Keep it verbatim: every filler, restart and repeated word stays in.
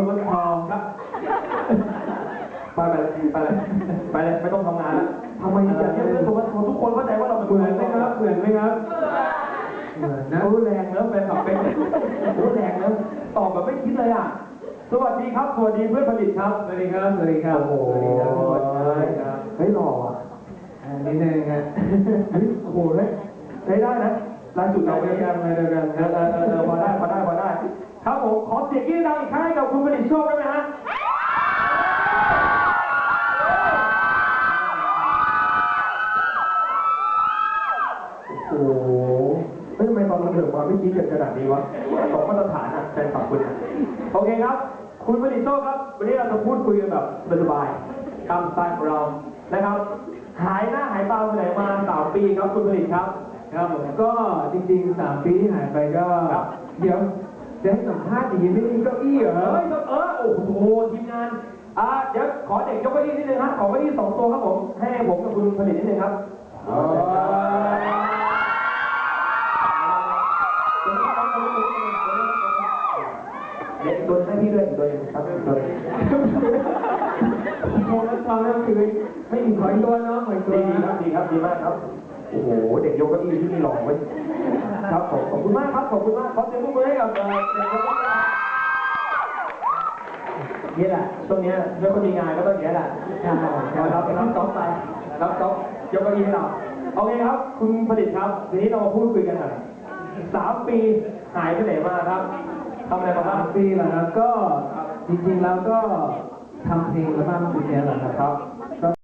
งินทองครับไปไปไปเลยไปเลยไม่ต้องทำงานแล้วทำไมจะเรียกเรื่องตัวทุกคนเข้าใจว่าเราเป็นเหมือนไหมครับเหมือนไหมครับเหมือนนะรู้แรงเนอะแฟนคลับเป็นรู้แรงเนอะตอบแบบไม่คิดเลยอ่ะสวัสดีครับสวัสดีเพื่อนผลิตครับสวัสดีครับสวัสดีครับโอ้โหเฮ้ยหล่ออ่ะนิดนึงอ่ะเฮ้ยโอ้โหเฮ้ยใช้ได้นะลายจุดเราเดียวกันเลยเดียวกันเออเออเออพอได้พอได้พอได้ครับผมขอเสียงยืดดังอีกครั้งให้กับคุณผลิตโชคได้ไหมฮะโอ้โหเฮ้ยทำไมตอนเราเดินมาไม่คิดกันขนาดนี้วะสองมาตรฐานอ่ะแฟนคลับคุณโอเคครับคุณผลิตโชคครับวันนี้เราจะพูดคุยกันแบบสบายๆตามสไตล์ของเรานะครับหายหน้าหายตาไปไหนมาสามปีครับคุณผลิตครับครับผมก็จริงๆสามปีที่หายไปก็เดี๋ยวจะให้สัมภาษณ์อย่างนี้ไม่มีเก้าอี้เหรอเฮ้ยเออโอ้โหทีมงานอ่าเดี๋ยวขอเด็กยกเก้าอี้นิดนึงครับขอเก้าอี้สองตัวครับผมให้ผมกับคุณผลิตนิดนึงครับเด็กตัวให้พี่ด้วยตัวนึงครับตัวนึงโมนัสทำแล้วคือไม่มีขออีกตัวเนาะเหมือนตัวดีครับดีครับดีมากครับโอ้โหเด็กยกเก้าอี้ที่นี่หล่อไว้ครับผมขอบคุณมากครับขอบคุณมากขอเสียงปรบมือให้กับเด็กยกเก้าอี้นี่แหละช่วงนี้เมื่อคนมีงานก็ต้องอย่างนี้แหละเราไปรับจ็อบไปรับจ็อบยกเก้าอี้ให้เราโอเคครับคุณผลิตครับทีนี้เรามาพูดคุยกันหน่อยสามปีหายไปไหนมาครับทำอะไรมาบ้างปีเหรอครับก็จริงๆแล้วก็ทำเพลงแล้วบ้างเป็นแค่แหละนะครับ